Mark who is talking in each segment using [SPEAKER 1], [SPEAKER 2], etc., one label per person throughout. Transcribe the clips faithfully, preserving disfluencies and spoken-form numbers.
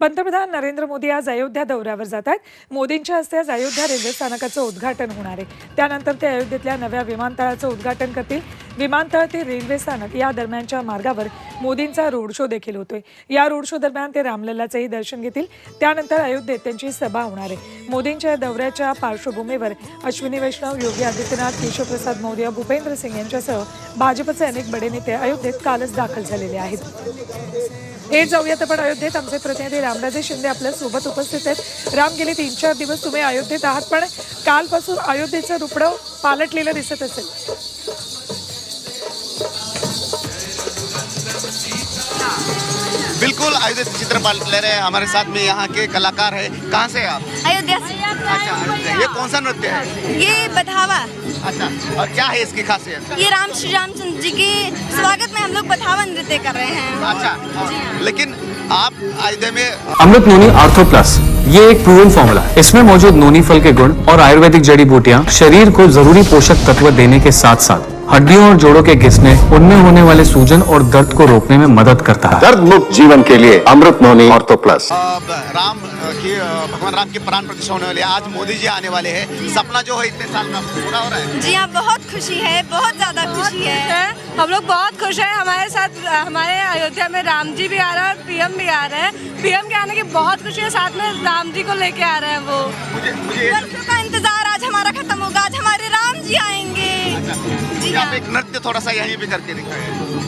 [SPEAKER 1] पंतप्रधान नरेंद्र मोदी आज अयोध्या दौऱ्यावर जात आहेत. मोदींच्या हस्ते आज अयोध्या रेल्वे स्थानकाचं उद्घाटन होणार आहे. त्यानंतर ते अयोध्येतल्या नव्या विमानतळाचं उद्घाटन करतील. विमानतळ ते रेल्वे स्थानक या दरम्यानच्या मार्गावर मोदींचा रोड शो देखील होतोय. या रोड शो दरम्यान ते रामलल्लाचंही दर्शन घेतील. त्यानंतर अयोध्येत त्यांची सभा होणार आहे. मोदींच्या दौऱ्याच्या पार्श्वभूमीवर अश्विनी वैष्णव, योगी आदित्यनाथ, केशवप्रसाद मौर्य, भूपेंद्र सिंग यांच्यासह भाजपचे अनेक बडे नेते अयोध्येत कालच दाखल झालेले आहेत. हे जाऊयात आपण अयोध्येत. आमचे प्रतिनिधी रामराजे शिंदे आपल्या सोबत उपस्थित आहेत. राम, गेले तीन चार दिवस तुम्ही अयोध्येत आहात, पण कालपासून अयोध्येचं रुपडं पालटलेलं दिसत असेल.
[SPEAKER 2] बिल्कुल अयोध्या से चित्र पालट ले रहे हैं. हमारे साथ में यहाँ के कलाकार है. कहाँ से आप?
[SPEAKER 3] अयोध्या से।
[SPEAKER 2] अच्छा, अयोध्या. ये कौन सा नृत्य है?
[SPEAKER 3] ये बधावा।
[SPEAKER 2] अच्छा, और क्या है इसकी खासियत?
[SPEAKER 3] ये राम श्री रामचंद्र जी के स्वागत में हम लोग बधावा नृत्य कर रहे हैं।
[SPEAKER 2] अच्छा, लेकिन आप अयोध्या में
[SPEAKER 4] अमृत नोनी आर्थो प्लस, ये एक प्रूवन फॉर्मूला है. इसमें मौजूद नोनी फल के गुण और आयुर्वेदिक जड़ी बूटियां शरीर को जरूरी पोषक तत्व देने के साथ साथ हड्डियों और जोड़ों के घिसने, उनमें होने वाले सूजन और दर्द को रोकने में मदद करता है.
[SPEAKER 5] दर्द मुक्त जीवन के लिए अमृत नोनी ऑर्थो प्लस.
[SPEAKER 2] राम की भगवान राम की प्राण प्रतिष्ठा होने वाली है. आज मोदी जी आने वाले हैं. सपना जो है इतने साल का पूरा हो रहा है.
[SPEAKER 3] जी हाँ, बहुत खुशी है, बहुत ज्यादा खुशी है.
[SPEAKER 6] हम लोग बहुत खुश हैं. हमारे साथ हमारे अयोध्या में राम जी भी आ रहे हैं और पीएम भी आ रहे हैं. पीएम के आने की बहुत खुशी है, साथ में राम जी को लेके आ रहे हैं. वो
[SPEAKER 2] मुझे मुझे
[SPEAKER 3] वर्षों का इंतजार आज हमारा खत्म होगा. आज हमारे राम जी आएंगे. जी
[SPEAKER 2] आप
[SPEAKER 3] हाँ.
[SPEAKER 2] एक नृत्य थोड़ा सा यहीं पे करके दिखाएं.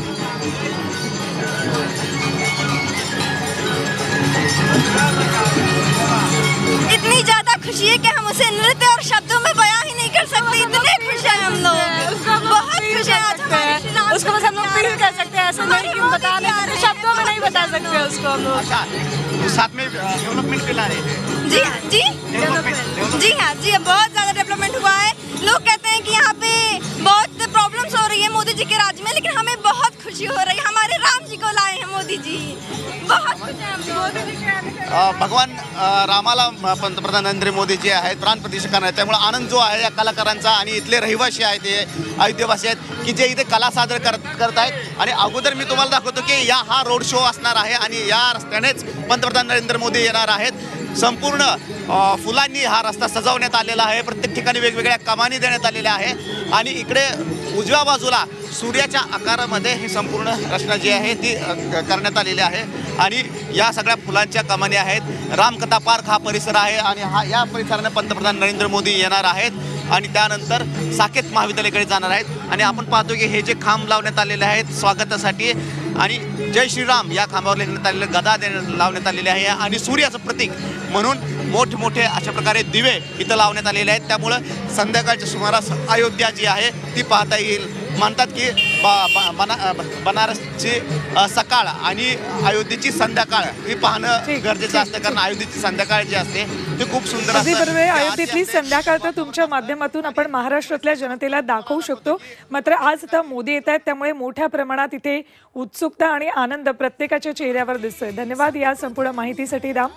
[SPEAKER 3] इतनी ज्यादा खुशी है कि हम उसे नृत्य और शब्दों में बयां ही नहीं कर सकते. इतने खुश हैं हम लोग, बहुत खुश हैं आज हमारे श्री राम.
[SPEAKER 6] उसको बस हम लोग फील कर सकते हैं. ऐसे नहीं कि हम बता नहीं सकते, शब्दों में नहीं बता सकते उसको हम लोग.
[SPEAKER 2] अच्छा, तो साथ में डेवलपमेंट भी ला रहे हैं.
[SPEAKER 3] जी हाँ, जी जी हाँ, जी बहुत ज्यादा डेवलपमेंट हुआ है. लोग कहते हैं कि यहाँ पे बहुत प्रॉब्लम्स हो रही है मोदी जी के राज में, लेकिन हमें बहुत खुशी हो रही है. हमारे राम जी को लाए हैं मोदी जी. बहुत खुश हैं हम लोग.
[SPEAKER 2] अ, भगवान अ, रामाला अ, पंतप्रधान नरेंद्र मोदी जे आहेत प्राण प्रतिष्ठा करणार आहेत. त्यामुळे आनंद जो आहे या कलाकारांचा आणि इथले रहिवासी आहेत, ते अयोध्येवासी आहेत की जे इथे कला सादर करत करत आहेत. आणि अगोदर मी तुम्हाला दाखवतो की या हा रोड शो असणार आहे आणि या रस्त्यानेच पंतप्रधान नरेंद्र मोदी येणार आहेत. संपूर्ण अ, फुलांनी हा रस्ता सजवण्यात आलेला आहे. प्रत्येक ठिकाणी वेगवेगळ्या कमानी देण्यात आलेल्या आहे आणि इकडे उजव्या बाजूला सूर्याच्या आकारामध्ये ही संपूर्ण रचना जी आहे ती अ, करण्यात आलेली आहे. आणि या सगळ्या फुलांच्या कमानी आहेत. रामकथा पार्क हा परिसर आहे आणि हा या परिसराने पंतप्रधान नरेंद्र मोदी येणार आहेत आणि त्यानंतर साकेत महाविद्यालयाकडे जाणार आहेत. आणि आपण पाहतो की हे जे खांब लावण्यात आलेले आहेत स्वागतासाठी आणि जय श्रीराम या खांबावर लिहिण्यात आलेले गदा देण्यात लावण्यात आलेले आहे आणि सूर्याचं प्रतीक म्हणून मोठमोठे अशा प्रकारे दिवे इथं लावण्यात आलेले आहेत. त्यामुळं संध्याकाळच्या सुमारास अयोध्या जी आहे ती पाहता येईल. म्हणतात की बा बना बनारसची अ, सकाळ आणि अयोध्येची संध्याकाळ ही पाहणं गरजेचं असतं, कारण अयोध्येची संध्याकाळ जी असते ती खूप सुंदर
[SPEAKER 1] अगदी
[SPEAKER 2] असते.
[SPEAKER 1] बरोबर आहे. अयोध्येतली संध्याकाळ तर तुमच्या माध्यमातून आपण महाराष्ट्रातल्या जनतेला दाखवू शकतो. मात्र आज आता मोदी येत आहेत, त्यामुळे मोठ्या प्रमाणात इथे उत्सुकता आणि आनंद प्रत्येकाच्या चेहऱ्यावर दिसतोय. धन्यवाद या संपूर्ण माहितीसाठी राम.